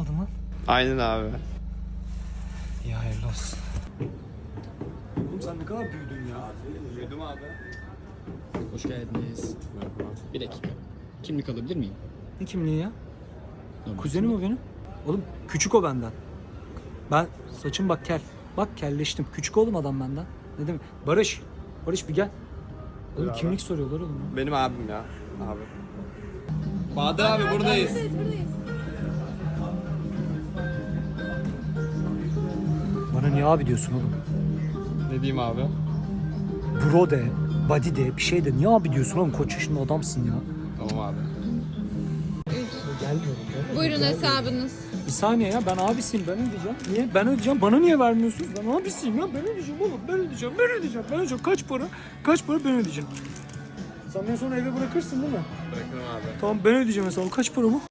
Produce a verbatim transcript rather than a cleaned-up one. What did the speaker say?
aldın lan? Aynen abi. İyi hayırlı olsun. Oğlum sen ne kadar büyüdün ya. Büyüdüm abi. Hoş geldiniz. Bir dakika. Kimlik alabilir miyim? Ne kimliği ya? Normal. Kuzenim o benim. Oğlum küçük o benden. Ben saçım bak kel. Bak kelleştim. Küçük oğlum adam benden. Ne demek? Barış. Barış bir gel. Oğlum Buyur kimlik soruyorlar oğlum. Ya. Benim abim ya. Abi. Bahadır abi buradayız. Bana niye abi diyorsun oğlum? Ne diyeyim abi? Bro de, buddy de, bir şey de. Niye abi diyorsun oğlum? Koç yaşında adamsın ya. Tamam abi. Gelmiyorum. Buyurun hesabınız. Bir saniye ya, ben abisiyim, ben ödeyeceğim. Niye? Ben ödeyeceğim, bana niye vermiyorsunuz? Ben abisiyim ya, ben ödeyeceğim oğlum, ben ödeyeceğim, ben ödeyeceğim, ben ödeyeceğim. Kaç para? Kaç para ben ödeyeceğim. Sen beni sonra eve bırakırsın değil mi? Bırakırım abi. Tamam ben ödeyeceğim hesabı. Kaç para bu?